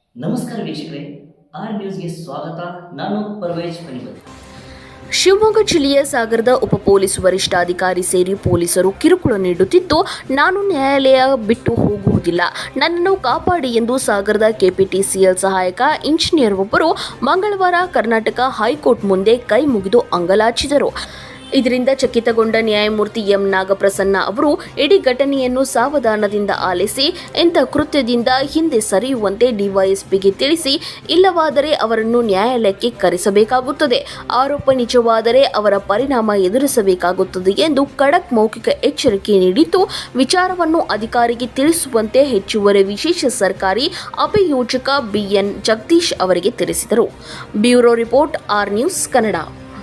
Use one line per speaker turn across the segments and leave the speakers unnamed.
ನಮಸ್ಕಾರ ವೀಕ್ಷಕರೇ, ಆರ್ ನ್ಯೂಸ್ಗೆ ಸ್ವಾಗತ. ನಾನು ಪರ್ವೇಜ್ ಪನಿಪತಿ.
ಶಿವಮೊಗ್ಗ ಜಿಲ್ಲೆಯ ಸಾಗರದ ಉಪ ಪೊಲೀಸ್ ವರಿಷ್ಠಾಧಿಕಾರಿ ಸೇರಿ ಪೊಲೀಸರು ಕಿರುಕುಳ ನೀಡುತ್ತಿದ್ದು, ನಾನು ನ್ಯಾಯಾಲಯ ಬಿಟ್ಟು ಹೋಗುವುದಿಲ್ಲ, ನನ್ನನ್ನು ಕಾಪಾಡಿ ಎಂದು ಸಾಗರದ ಕೆಪಿಟಿಸಿಎಲ್ ಸಹಾಯಕ ಇಂಜಿನಿಯರ್ ಒಬ್ಬರು ಮಂಗಳವಾರ ಕರ್ನಾಟಕ ಹೈಕೋರ್ಟ್ ಮುಂದೆ ಕೈ ಮುಗಿದು ಅಂಗಲಾಚಿದರು. ಇದರಿಂದ ಚಕಿತಗೊಂಡ ನ್ಯಾಯಮೂರ್ತಿ ಎಂ ನಾಗಪ್ರಸನ್ನ ಅವರು ಇಡೀ ಘಟನೆಯನ್ನು ಸಾವಧಾನದಿಂದ ಆಲಿಸಿ ಇಂಥ ಕೃತ್ಯದಿಂದ ಹಿಂದೆ ಸರಿಯುವಂತೆ ಡಿವೈಎಸ್ಪಿಗೆ ತಿಳಿಸಿ, ಇಲ್ಲವಾದರೆ ಅವರನ್ನು ನ್ಯಾಯಾಲಯಕ್ಕೆ ಕರೆಸಬೇಕಾಗುತ್ತದೆ, ಆರೋಪ ನಿಜವಾದರೆ ಅವರ ಪರಿಣಾಮ ಎದುರಿಸಬೇಕಾಗುತ್ತದೆ ಎಂದು ಖಡಕ್ ಮೌಖಿಕ ಎಚ್ಚರಿಕೆ ನೀಡಿದ್ದು, ವಿಚಾರವನ್ನು ಅಧಿಕಾರಿಗೆ ತಿಳಿಸುವಂತೆ ಹೆಚ್ಚುವರಿ ವಿಶೇಷ ಸರ್ಕಾರಿ ಅಭಿಯೋಜಕ ಬಿಎನ್ ಜಗದೀಶ್ ಅವರಿಗೆ ತಿಳಿಸಿದರು. Bureau report, R news Kannada.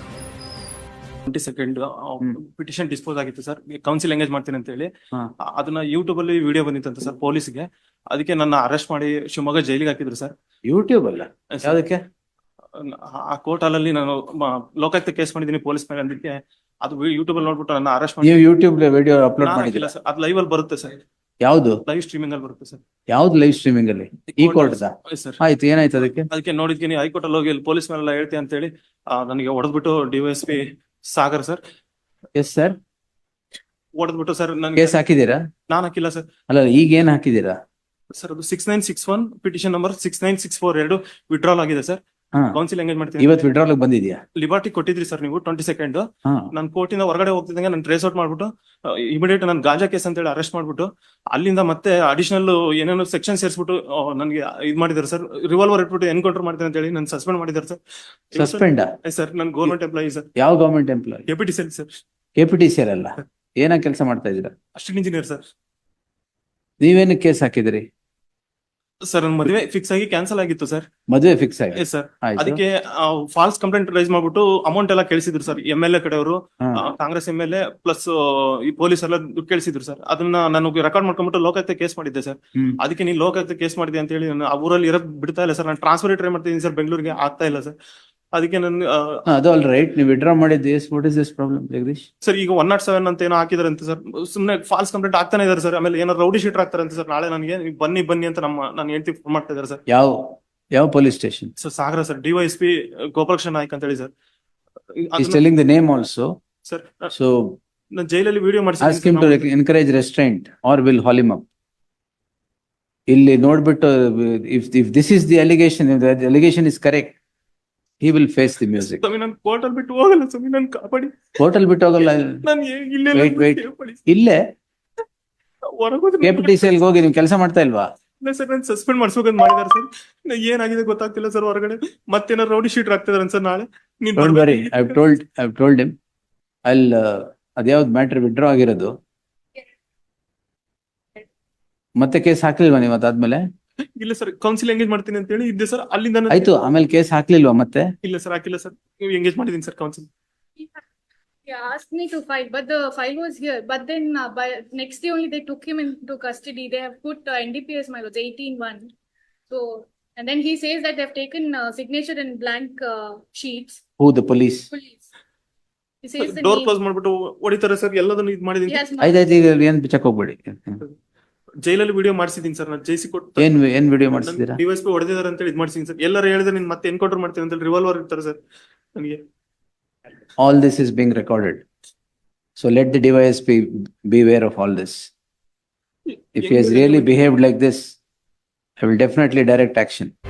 22 petition dispose ಆಗಿತ್ತು ಸರ್. ಕೌನ್ಸಿಲ್ ಎಂಗೇಜ್ ಮಾಡ್ತೀನಿ ಅಂತ ಹೇಳಿ ಅದನ್ನ ಯೂಟ್ಯೂಬ್ ಅಲ್ಲಿ ವಿಡಿಯೋ ಬಂದಿತ್ತಂತ ಸರ್ ಪೊಲೀಸ್ಗೆ. ಅದಕ್ಕೆ ನನ್ನ ಅರೆಸ್ಟ್ ಮಾಡಿ ಶಿವಮೊಗ್ಗ ಜೈಲಿಗೆ ಹಾಕಿದ್ರು ಸರ್.
ಯೂಟ್ಯೂಬ್ ಅಲ್ಲ, ಯಾವ್ದಕ್ಕೆ?
ಆ ಕೋರ್ಟ್ ಅಲ್ಲಿ ನಾನು ಲೋಕಾಯುಕ್ತ ಕೇಸ್ ಮಾಡಿದೀನಿ ಪೊಲೀಸ್ ಮೇಲೆ. ಅದಕ್ಕೆ ಅದು ಯೂಟ್ಯೂಬ್ ಅಲ್ಲಿ ನೋಡ್ಬಿಟ್ಟು ನನ್ನ ಅರೆಸ್ಟ್ ಮಾಡಿ.
ನೀವು ಯೂಟ್ಯೂಬ್ ವಿಡಿಯೋ ಅಪ್ಲೋಡ್ ಮಾಡಿಲ್ಲ
ಸರ್? ಅದು ಲೈವ್ ಅಲ್ಲಿ ಬರುತ್ತೆ ಸರ್.
ಯಾವ್ದು
ಲೈವ್ ಸ್ಟ್ರೀಮಿಂಗ್ ಅಲ್ಲಿ ಬರುತ್ತೆ ಸರ್.
ಯಾವ್ದು ಲೈವ್ ಸ್ಟ್ರೀಮಿಂಗ್ ಅಲ್ಲಿ? ಈ ಕೋರ್ಟ್
ಸರ್.
ಆಯ್ತು, ಏನಾಯ್ತು ಅದಕ್ಕೆ?
ಅದಕ್ಕೆ ನೋಡಿದ್ತೀನಿ ಹೈಕೋರ್ಟ್ ಅಲ್ಲಿ ಹೋಗಿ ಪೊಲೀಸ್ ಮೇಲೆಲ್ಲ ಹೇಳ್ತೀನಿ ಅಂತ ಹೇಳಿ ನನಗೆ ಹೊಡೆದ್ಬಿಟ್ಟು DYSP Sagar sir.
Yes sir,
ಹೊಡೆದ್ಬಿಟ್ಟು ಸರ್ ನನಗೆ.
ಕೇಸ್ ಹಾಕಿದೀರಾ?
ನಾನು ಹಾಕಿಲ್ಲ ಸರ್.
ಅಲ್ಲ, ಈಗ ಏನ್ ಹಾಕಿದೀರಾ
ಸರ್? ಅದು 6961 ಪಿಟಿಷನ್ ನಂಬರ್ 69642 ವಿಡ್ರಾಲ್ ಆಗಿದೆ ಸರ್. ಕೌನ್ಸಿಲ್ ಎಂಗೇಜ್ ಮಾಡ್ತೀನಿ.
ಇವತ್ತು ವಿಡ್ರಾಲ್ ಬಂದಿದ್ಯಾ?
ಲಿಬರ್ಟಿ ಕೊಟ್ಟಿದ್ರಿ ಸರ್ ನೀವು 22nd.
ಹಾ.
ನಾನು ಕೋರ್ಟಿಂದ ಹೊರಗಡೆ ಹೋಗ್ತಿದ್ದಂಗೆ ನಾನು ಟ್ರೇಸ್ ಔಟ್ ಮಾಡ್ಬಿಟ್ಟು ಇಮಿಡಿಯೇಟ್ ನಾನು ಗಾಂಜಾ ಕೇಸ್ ಅಂತ ಹೇಳಿ ಅರೆಸ್ಟ್ ಮಾಡ್ಬಿಟ್ಟು ಅಲ್ಲಿಂದ ಮತ್ತೆ ಅಡಿಷನಲ್ ಏನೇನೋ ಸೆಕ್ಷನ್ ಸೇರಿಸ್ಬಿಟ್ಟು ನನಗೆ ಇದು ಮಾಡಿದಾರೆ ಸರ್. ರಿವಾಲ್ವರ್ ಇಟ್ಬಿಟ್ಟು ಎನ್ಕೌಂಟರ್ ಮಾಡ್ತೀನಿ ಅಂತ ಹೇಳಿ ನಾನು ಸಸ್ಪೆಂಡ್ ಮಾಡಿದಾರೆ ಸರ್.
ಸಸ್ಪೆಂಡ್
ಸರ್ ನಾನು ಗೌರ್ಮೆಂಟ್ ಎಂಪ್ಲಾಯಿ ಸರ್.
ಯಾವ government employee?
KPTCL sir.
KPTCL ಅಲ್ಲ, ಏನ ಕೆಲಸ ಮಾಡ್ತಾ ಇದೀರಾ?
Assistant engineer sir.
ನೀವೇನು ಕೇಸ್ ಹಾಕಿದಿರಿ
ಸರ್? ನನ್ನ ಮದುವೆ ಫಿಕ್ಸ್ ಆಗಿ ಕ್ಯಾನ್ಸಲ್ ಆಗಿತ್ತು ಸರ್.
ಮದುವೆ ಫಿಕ್ಸ್ ಆಗಿ?
ಸರ್ ಅದಕ್ಕೆ ಫಾಲ್ಸ್ ಕಂಪ್ಲೇಂಟ್ ರೈಸ್ ಮಾಡ್ಬಿಟ್ಟು ಅಮೌಂಟ್ ಎಲ್ಲ ಕೇಳಿಸಿದ್ರು ಸರ್. MLA ಕಡೆಯವರು, ಕಾಂಗ್ರೆಸ್ MLA ಪ್ಲಸ್ ಈ ಪೊಲೀಸ್ ಎಲ್ಲ ದುಡ್ಡು ಕೇಳಿಸಿದ್ರು ಸರ್. ಅದನ್ನ ನಾನು ರೆಕಾರ್ಡ್ ಮಾಡ್ಕೊಂಡ್ಬಿಟ್ಟು ಲೋಕಾಯುಕ್ತ ಕೇಸ್ ಮಾಡಿದ್ದೆ ಸರ್. ಅದಕ್ಕೆ ನೀವು ಲೋಕಾಯುಕ್ತ ಕೇಸ್ ಮಾಡಿದೆ ಅಂತ ಹೇಳಿ ನಾನು ಆ ಊರಲ್ಲಿ ಇರಕ್ ಬಿಡ್ತಾ ಇಲ್ಲ ಸರ್. ನಾನು ಟ್ರಾನ್ಸ್ಫರ್ ಟ್ರೈ ಮಾಡ್ತಿದ್ದೀನಿ ಸರ್, ಬೆಂಗಳೂರಿಗೆ ಆಗ್ತಾ ಇಲ್ಲ ಸರ್. ಅದಕ್ಕೆ ನಾನು
ಅದು ಆಲ್ ರೈಟ್, ನೀವು ವಿಡ್ರಾ ಮಾಡಿದ್ದು. What is this problem Jagadish?
Sir ಈಗ 107 ಅಂತ ಏನೋ ಹಾಕಿದಾರೆ ಅಂತ ಸರ್. ಸುಮ್ಮನೆ ಫಾಲ್ಸ್ ಕಂಪ್ಲೇಂಟ್ ಆಗ್ತಾನೆ ಇದಾರೆ ಸರ್. ಆಮೇಲೆ ಏನೋ ರೌಡಿ ಶೀಟರ್ ಆಗ್ತಾರೆ ಅಂತ ಸರ್. ನಾಳೆ ನನಗೆ ಬನ್ನಿ ಅಂತ ನಾನು ಹೇಳ್ತಿ ಫೋನ್ ಮಾಡ್ತಾ ಇದಾರೆ ಸರ್.
ಯಾವ police station?
Sir Sagar sir. DYSP Gopalakrishna Naik ಅಂತ ಹೇಳಿ sir.
He's telling the name also.
Sir
So
ನಾನು ಜೈಲಲ್ಲಿ video
ask him to encourage restraint or will haul him up. ಇಲ್ಲಿ ನೋಡ್ಬಿಟ್ಟು if this is the allegation, if the allegation is correct, he will face the music.
ನಾನು court ಅಲ್ಲಿ ಬಿಟ್ಟು ಹೋಗಲ್ಲ ಸ್ವಾಮಿ, ನಾನು ಕಾಪಾಡಿ.
ಹೋಟೆಲ್ ಬಿಟ್ಟು ಹೋಗಲ್ಲ.
ನಾನು
Wait. ಇಲ್ಲೇ ಕೆಪಿಟಿಸಿಎಲ್ ಹೋಗಿ ನೀವು ಕೆಲಸ ಮಾಡ್ತಾ ಇಲ್ವಾ?
ಇಲ್ಲ ಸರ್, ನಾನು ಸಸ್ಪೆಂಡ್ ಮಾಡ್ಸ್ಬೇಕಂತ ಮಾಡಿದಾರೆ ಸರ್. ಏನಾಗಿದೆ ಗೊತ್ತಾಗ್ತಿಲ್ಲ ಸರ್. ಹೊರಗಡೆ ಮತ್ತೇನಾರು ರೌಡಿ ಶೀಟರ್ ಆಗ್ತಿದಾರೆ ಸರ್. ನಾಳೆ
Don't worry, I've told him. ಅದ್ಯಾವ್ದು ಮ್ಯಾಟರ್ ವಿಡ್ರಾ ಆಗಿರೋದು? ಮತ್ತೆ ಕೇಸ್ ಹಾಕ್ಲಿಲ್ವಾ ನೀವು ಅದಾದ್ಮೇಲೆ?
ಇಲ್ಲ ಸರ್, ಕೌನ್ಸಿಲ್ ಎಂಗೇಜ್ ಮಾಡ್ತೀನಿ ಅಂತ ಹೇಳಿ ಇದ್ದೆ ಸರ್. ಅಲ್ಲಿಂದ
ಆಯ್ತು, ಆಮೇಲೆ ಕೇಸ್ ಹಾಕ್ಲಿಲ್ವಾ ಮತ್ತೆ?
ಇಲ್ಲ ಸರ್, ಹಾಕಿಲ್ಲ ಸರ್. ನೀವು ಎಂಗೇಜ್ ಮಾಡಿದೀನಿ sir counsel.
Yeah, asked me to file, but the file was here. But then by next day only they took him into custody. They have put NDPS my lords 18-1. So and then he says that they have taken signature in blank sheets.
Who, the police?
Police. He says the
door
name.
Close ಮಾಡ್ಬಿಟ್ಟು ಹೊಡಿತಾರೆ sir. ಎಲ್ಲದನ್ನು ಇದು ಮಾಡಿದೀನಿ.
Yes,
ಆಯ್ತಾಯ್ತು, ಈಗ ಏನ್ ಬಿಚ್ಚಕ್ ಹೋಗ್ಬೇಡಿ.
ಜೈಲಲ್ಲಿ ವಿಡಿಯೋ ಮಾಡಿಸಿದೀನಿ ಸರ್. ನಾನು ಜೈಸಿ ಕೊಟ್ಟು
ಏನ್ ವಿಡಿಯೋ ಮಾಡಿಸಿದೀರಾ?
ಡಿವೈಎಸ್ಪಿ ಹೊಡೆದಿದ್ದಾರೆ ಅಂತ ಹೇಳಿ ಇದು ಮಾಡಿಸಿದೀನಿ ಸರ್. ಎಲ್ಲರೂ ಹೇಳಿದ್ರೆ ನೀನ್ ಮತ್ತೆ ಎನ್ಕೌಂಟರ್ ಮಾಡ್ತೀನಿ ಅಂತ ಹೇಳಿ ರಿವಾಲ್ವರ್ ಇರ್ತಾರೆ ಸರ್ ನನಗೆ.
All this is being recorded. So let the DYSP be aware of all this. If he has really behaved like this, I will definitely direct action.